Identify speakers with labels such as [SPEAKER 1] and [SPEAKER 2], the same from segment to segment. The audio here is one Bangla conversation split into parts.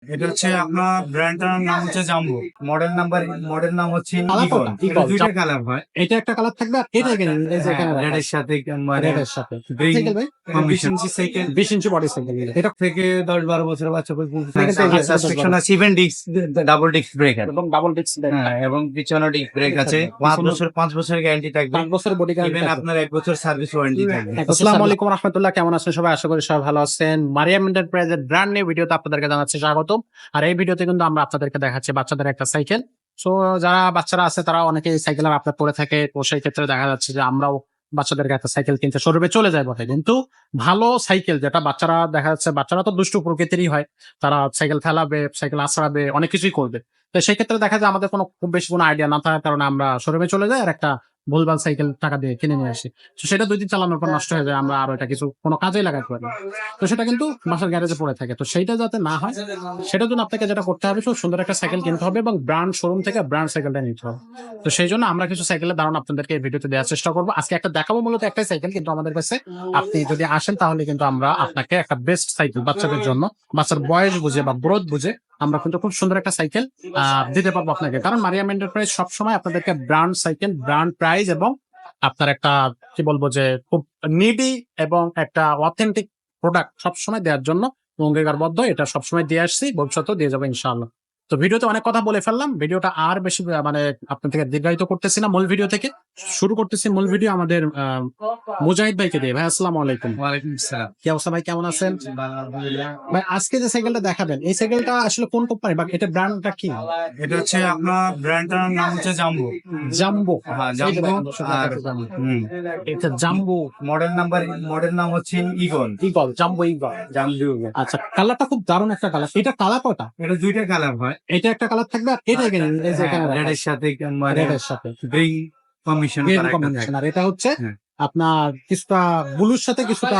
[SPEAKER 1] এটা হচ্ছে আপনার ব্র্যান্ডটার নাম হচ্ছে জাম্বো। মডেল নাম হচ্ছে
[SPEAKER 2] কালার
[SPEAKER 1] ইগল।
[SPEAKER 2] কোনটা?
[SPEAKER 1] এটা
[SPEAKER 2] ইগল।
[SPEAKER 1] দুইটা কালার হয়।
[SPEAKER 2] এটা একটা কালার থাকবে আর এটা এখানে এই যে
[SPEAKER 1] হ্যাঁ,
[SPEAKER 2] এখানে রাখা
[SPEAKER 1] রেডের
[SPEAKER 2] আছে।
[SPEAKER 1] সাথে মানে
[SPEAKER 2] রেডের সাথে।
[SPEAKER 1] গ্রিন
[SPEAKER 2] সাইকেল ভাই?
[SPEAKER 1] 20 inch cycle
[SPEAKER 2] 20 inch body cycle. এটা
[SPEAKER 1] থেকে 10-12 বছরের বাচ্চা
[SPEAKER 2] সাইকেল থেকে
[SPEAKER 1] আর সাসপেকশন আছে 7 ডিস্ক ডাবল ডিস্ক ব্রেকার।
[SPEAKER 2] এবং ডাবল ডিস্ক ব্রেক।
[SPEAKER 1] হ্যাঁ, এবং পিছনে ডিস্ক ব্রেক আছে। 5 বছরের গ্যারান্টি থাকবে।
[SPEAKER 2] 5 বছরের বডি গ্যারান্টি
[SPEAKER 1] ইভেন
[SPEAKER 2] থাকবে।
[SPEAKER 1] আপনার 1 বছর সার্ভিস ওয়ারেন্টি থাকবে।
[SPEAKER 2] আসসালামু আলাইকুম রাহমাতুল্লাহ, কেমন আছেন সবাই? আশা করি সবাই ভালো আছেন। মারিয়াম এন্টারপ্রাইজের ব্র্যান্ড নিউ ভিডিওতে আপনাদেরকে জানাচ্ছি স্বাগতম। আর এই ভিডিওতে কিন্তু আমরা আপনাদেরকে দেখাচ্ছি বাচ্চাদের একটা সাইকেল। সো যারা বাচ্চারা আছে তারা অনেকেই সাইকেল আপনার পরে থাকে, তো সেই ক্ষেত্রে দেখা যাচ্ছে যে আমরাও বাচ্চাদেরকে একটা সাইকেল কিনতে শোরুমে চলে যায় বটে, কিন্তু ভালো সাইকেল যেটা বাচ্চারা দেখা যাচ্ছে, বাচ্চারা তো দুষ্টু প্রকৃতিরই হয়, তারা সাইকেল ফেলাবে, সাইকেল আছড়াবে, অনেক কিছুই করবে। তো সেই ক্ষেত্রে দেখা যায় আমাদের কোনো খুব বেশি কোনো আইডিয়া না থাকার কারণে আমরা শোরুমে চলে যাই আর একটা ভুলভাল সাইকেল টাকা দিয়ে কিনে নিয়ে আসি। তো সেটা 2 দিন চালানোর পর নষ্ট হয়ে যায়, আমরা আর ওইটা কিছু কোনো কাজেই লাগাতে পারি না। তো সেটা কিন্তু বাসার গ্যারেজে পড়ে থাকে। তো সেইটা যাতে না হয় সেটার জন্য আপনাকে যেটা করতে হবে, খুব সুন্দর একটা সাইকেল কিনতে হবে এবং ব্র্যান্ড শোরুম থেকে ব্র্যান্ড সাইকেলটা নিতে হবে। তো সেই জন্য আমরা কিছু সাইকেলের ধারণা আপনাদেরকে এই ভিডিওতে দেওয়ার চেষ্টা করবো। আজকে একটা দেখাবো, মূলত একটাই সাইকেল, কিন্তু আমাদের কাছে আপনি যদি আসেন তাহলে কিন্তু আমরা আপনাকে একটা বেস্ট সাইকেল বাচ্চাদের জন্য, বাচ্চার বয়স বুঝে বা গ্রোথ বুঝে আমরা কিন্তু খুব সুন্দর একটা সাইকেল দিতে পারবো আপনাকে। কারণ মারিয়াম এন্টারপ্রাইজ সবসময় আপনাদেরকে ব্র্যান্ড সাইকেল, ব্র্যান্ড প্রাইস এবং আপনার একটা কি বলবো যে খুব নিডি এবং একটা অথেন্টিক প্রোডাক্ট সবসময় দেওয়ার জন্য অঙ্গীকারবদ্ধ। এটা সবসময় দিয়ে আসছি, ভবিষ্যতেও দিয়ে যাবো ইনশাআল্লাহ। তো ভিডিওতে অনেক কথা বলে ফেললাম, ভিডিওটা আর বেশি মানে আপনার থেকে দীর্ঘায়িত করতেছি না। মূল ভিডিও থেকে শুরু করতেছি। মূল ভিডিও আমাদের মুজাহিদ ভাইকে দিয়ে। ভাই আসসালামু আলাইকুম।
[SPEAKER 1] ওয়ালাইকুম আসসালাম।
[SPEAKER 2] কি অবস্থা ভাই, কেমন আছেন?
[SPEAKER 1] আলহামদুলিল্লাহ।
[SPEAKER 2] ভাই আজকে যে সাইকেলটা দেখাবেন, এই সাইকেলটা আসলে কোন কোম্পানি বা এটা ব্র্যান্ডটা কি?
[SPEAKER 1] এটা হচ্ছে আপনার ব্র্যান্ডটার নাম হচ্ছে জাম্বো।
[SPEAKER 2] জাম্বো।
[SPEAKER 1] হ্যাঁ, জাম্বো। আর
[SPEAKER 2] এটা জাম্বো।
[SPEAKER 1] মডেল নাম হচ্ছে Eagle.
[SPEAKER 2] Eagle, Jumbo Eagle.
[SPEAKER 1] Jumbo.
[SPEAKER 2] আচ্ছা, কালারটা খুব দারুণ একটা কালার। এটা কালার কয়টা?
[SPEAKER 1] এটা দুইটা কালার হয়।
[SPEAKER 2] এটা একটা কালার থাকবে আর এটা এখানে এই যে এখানে রাখা
[SPEAKER 1] রেডের
[SPEAKER 2] আছে।
[SPEAKER 1] সাথে মানে
[SPEAKER 2] রেডের সাথে
[SPEAKER 1] গ্রিন কমিশন
[SPEAKER 2] গ্রিন
[SPEAKER 1] করা একটা
[SPEAKER 2] কম্বিনেশন, আর এটা হচ্ছে
[SPEAKER 1] হ্যাঁ,
[SPEAKER 2] আপনার কিছুটা ব্লুর সাথে কিছুটা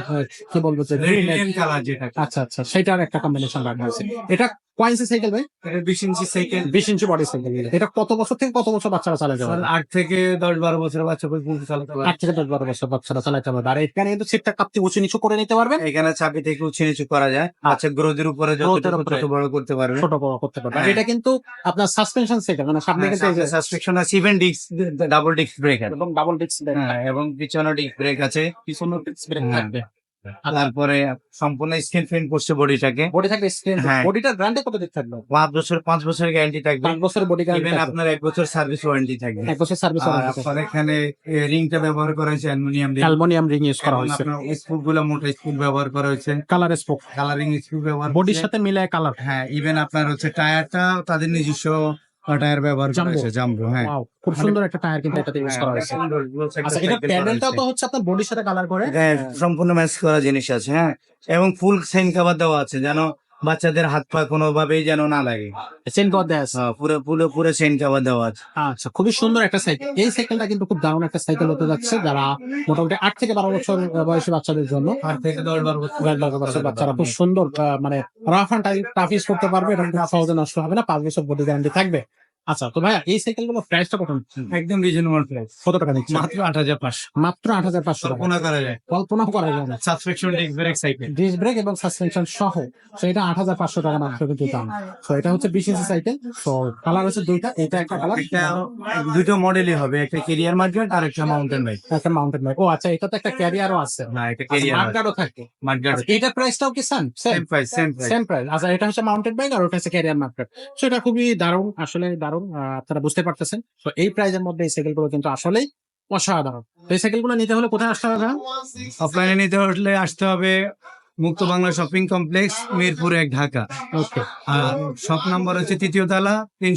[SPEAKER 2] কি বলবো যে গ্রিন।
[SPEAKER 1] রেড কালার যেটা।
[SPEAKER 2] আচ্ছা আচ্ছা, সেটার একটা কম্বিনেশন রাখা হয়েছে। এটা কয় ইঞ্চি সাইকেল ভাই?
[SPEAKER 1] এটা 20 inch cycle.
[SPEAKER 2] 20 inch body cycle. এটা কত বছর থেকে কত বছর বাচ্চারা চালাতে পারবে?
[SPEAKER 1] 8 থেকে 10-12 বছরের বাচ্চা পর্যন্ত চালাতে পারে।
[SPEAKER 2] 8 থেকে 10-12 বছর বাচ্চারা চালাতে পারবে। আর এখানে কিন্তু সিটটা কাপতে উঁচু নিচু করে নিতে পারবেন।
[SPEAKER 1] এখানে চাবি থেকে উঁচু নিচু করা যায়। আচ্ছা, গ্রোথের উপরে
[SPEAKER 2] গ্রোথের
[SPEAKER 1] যতটুকু
[SPEAKER 2] উপরে
[SPEAKER 1] তত বড় করতে পারবে।
[SPEAKER 2] ছোট বড় করতে পারবে। আর
[SPEAKER 1] হ্যাঁ।
[SPEAKER 2] এটা কিন্তু আপনার সাসপেনশন সাইকেল, মানে সামনে কিন্তু এই যে
[SPEAKER 1] সাসপেকশন আছে 7 ডিস্ক ডাবল ডিস্ক ব্রেকার।
[SPEAKER 2] এবং ডাবল ডিস্ক ব্রেক।
[SPEAKER 1] হ্যাঁ, এবং পিছনে ডিস্ক ব্রেক আছে।
[SPEAKER 2] পিছনে ডিস্ক ব্রেক
[SPEAKER 1] হ্যাঁ।
[SPEAKER 2] থাকবে।
[SPEAKER 1] তারপরে সম্পূর্ণ স্ক্রিন প্রিন্ট করছে বডিটাকে।
[SPEAKER 2] বডি থাকবে স্ক্রিন।
[SPEAKER 1] হ্যাঁ।
[SPEAKER 2] বডিটার গ্যারান্টি কত দিন থাকবে?
[SPEAKER 1] 5 বছরের গ্যারান্টি থাকবে।
[SPEAKER 2] 5 বছরের বডি
[SPEAKER 1] ইভেন
[SPEAKER 2] গ্যারান্টি থাকবে।
[SPEAKER 1] আপনার 1 বছর সার্ভিস ওয়ারেন্টি থাকবে।
[SPEAKER 2] 1 বছর সার্ভিস
[SPEAKER 1] আর
[SPEAKER 2] ওয়ারেন্টি।
[SPEAKER 1] আপনার এখানে রিংটা ব্যবহার করা হয়েছে aluminium ring.
[SPEAKER 2] Aluminium ring use করা
[SPEAKER 1] এবং
[SPEAKER 2] হয়েছে।
[SPEAKER 1] আপনার স্ক্রু গুলো মোটা স্ক্রু ব্যবহার করা হয়েছে।
[SPEAKER 2] কালার স্পোক,
[SPEAKER 1] কালারিং স্ক্রু ব্যবহার
[SPEAKER 2] বডির
[SPEAKER 1] করছে।
[SPEAKER 2] সাথে মিলায় কালার।
[SPEAKER 1] হ্যাঁ, ইভেন আপনার হচ্ছে টায়ারটা তাদের নিজস্ব টায়ার ব্যবহার করা
[SPEAKER 2] জাম্বো।
[SPEAKER 1] হয়েছে জাম্বো। হ্যাঁ,
[SPEAKER 2] ওয়াও, খুব সুন্দর একটা টায়ার কিন্তু এটাতে ইউজ করা হয়েছে।
[SPEAKER 1] সুন্দর একটা
[SPEAKER 2] আচ্ছা, এটা
[SPEAKER 1] সাইকেল করা
[SPEAKER 2] প্যাডেলটাও তো
[SPEAKER 1] হয়েছে।
[SPEAKER 2] হচ্ছে আপনার বডির সাথে কালার করে।
[SPEAKER 1] হ্যাঁ, সম্পূর্ণ ম্যাচ করা জিনিস আছে। হ্যাঁ, এবং ফুল সেন কভার দেওয়া আছে যেন বাচ্চাদের হাত পা কোনোভাবেই যেন না লাগে।
[SPEAKER 2] চেন কভার দেয়া আছে।
[SPEAKER 1] হ্যাঁ, পুরো সেন কভার দেওয়া আছে।
[SPEAKER 2] আচ্ছা, খুবই সুন্দর একটা সাইকেল। এই সাইকেলটা কিন্তু খুব দারুণ একটা সাইকেল হতে যাচ্ছে, যারা মোটামুটি 8 থেকে 12 বছর বয়সী বাচ্চাদের জন্য।
[SPEAKER 1] 8 থেকে 10-12 বছর
[SPEAKER 2] 12 বছর বাচ্চারা খুব সুন্দর মানে রাফ অ্যান্ড টাফ ইউজ করতে পারবে, এবং খুব সহজে নষ্ট হবে না। 5 বছর বডি গ্যারান্টি থাকবে। আচ্ছা, তো ভাইয়া এই সাইকেলগুলো প্রাইসটা কত?
[SPEAKER 1] একদম রিজনেবল প্রাইস।
[SPEAKER 2] কত টাকা নিচ্ছে?
[SPEAKER 1] মাত্র 8,500।
[SPEAKER 2] মাত্র 8,500 টাকা।
[SPEAKER 1] কল্পনা করা যায়।
[SPEAKER 2] কল্পনাও করা যায় না।
[SPEAKER 1] Suspension disc brake cycle.
[SPEAKER 2] Disc brake এবং সাসপেনশন সহ। তো এটা 8,500 টাকা মাত্র কিন্তু দাম। তো এটা হচ্ছে 20 ইঞ্চি সাইকেল। তো কালার হচ্ছে দুইটা, এটা একটা কালার,
[SPEAKER 1] একটা দুটো মডেলই হবে, একটা কেরিয়ার মার্কেট আর একটা মাউন্টেন বাইক।
[SPEAKER 2] একটা মাউন্টেন বাইক। ও আচ্ছা, এটা তো একটা ক্যারিয়ারও আছে।
[SPEAKER 1] হ্যাঁ, এটা কেরিয়ার
[SPEAKER 2] মার্কারও থাকে।
[SPEAKER 1] মার্কেট।
[SPEAKER 2] এটার প্রাইসটাও কি same?
[SPEAKER 1] Same price.
[SPEAKER 2] Same price. আচ্ছা, এটা হচ্ছে মাউন্টেন বাইক আর ওটা হচ্ছে ক্যারিয়ার মার্কেট। সো এটা খুবই দারুণ, আসলে দারুণ। আপনারা বুঝতে পারতেছেন। তো এই প্রাইজের মধ্যে এই সাইকেলগুলো কিন্তু আসলেই অসাধারণ। তো এই সাইকেলগুলো নিতে হলে কোথায় আসতে হবে?
[SPEAKER 1] অফলাইনে নিতে হলে আসতে হবে Mukto Bangla shopping complex, Mirpur 1, Dhaka.
[SPEAKER 2] Okay
[SPEAKER 1] আর শপ নাম্বার হচ্ছে 3য় তলা,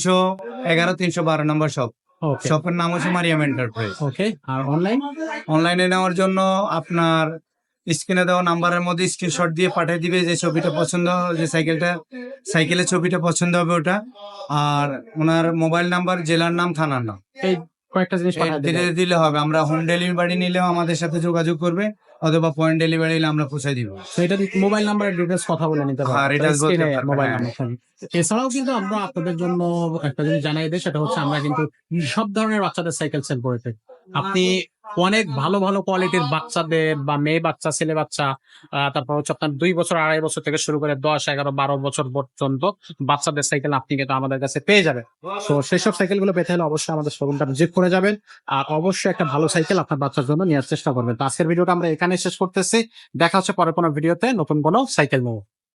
[SPEAKER 1] 311 312 নম্বর শপ।
[SPEAKER 2] ওকে
[SPEAKER 1] শপের নাম হচ্ছে মারিয়াম এন্টারপ্রাইজ।
[SPEAKER 2] ওকে। আর অনলাইন?
[SPEAKER 1] অনলাইনে নেওয়ার জন্য আপনার স্ক্রিনে দেওয়া নাম্বারের মধ্যে স্ক্রিনশট দিয়ে পাঠিয়ে দিবে যে ছবিটা পছন্দ, যে সাইকেলের ছবিটা পছন্দ হবে ওটা, আর ওনার মোবাইল নাম্বার, জেলার নাম, থানার নাম
[SPEAKER 2] এই কয়েকটা জিনিস পাঠিয়ে দিলে
[SPEAKER 1] দিলে হবে। আমরা হোম ডেলিভারি নিলেও আমাদের সাথে যোগাযোগ করবে, অথবা পয়েন্ট ডেলিভারি নিলে আমরা পৌঁছে দিব।
[SPEAKER 2] তো এটা মোবাইল নাম্বারের ডিটেলস কথা বলে নিতে
[SPEAKER 1] হ্যাঁ,
[SPEAKER 2] পারবেন।
[SPEAKER 1] details বলতে পারবেন,
[SPEAKER 2] মোবাইল
[SPEAKER 1] হ্যাঁ।
[SPEAKER 2] নাম্বার থাকবে। এছাড়াও কিন্তু আমরা আপনাদের জন্য একটা জিনিস জানাই দিই, সেটা হচ্ছে আমরা কিন্তু সব ধরনের বাচ্চাদের সাইকেল সেল করে থাকি। আপনি অনেক ভালো ভালো কোয়ালিটির বাচ্চাদের বা মেয়ে বাচ্চা ছেলে বাচ্চা তারপর হচ্ছে আপনার 2 বছর 2.5 বছর থেকে শুরু করে 10, 11, 12 বছর পর্যন্ত বাচ্চাদের সাইকেল আপনি কিন্তু আমাদের কাছে পেয়ে যাবেন। তো সেসব সাইকেল গুলো পেতে হলে অবশ্যই আমাদের শোরুমটা ভিজিট করে যাবেন আর অবশ্যই একটা ভালো সাইকেল আপনার বাচ্চার জন্য নেওয়ার চেষ্টা করবেন। তো আজকের ভিডিওটা আমরা এখানে শেষ করতেছি। দেখা হচ্ছে পরে কোনো ভিডিওতে নতুন কোনো সাইকেল নিয়ে।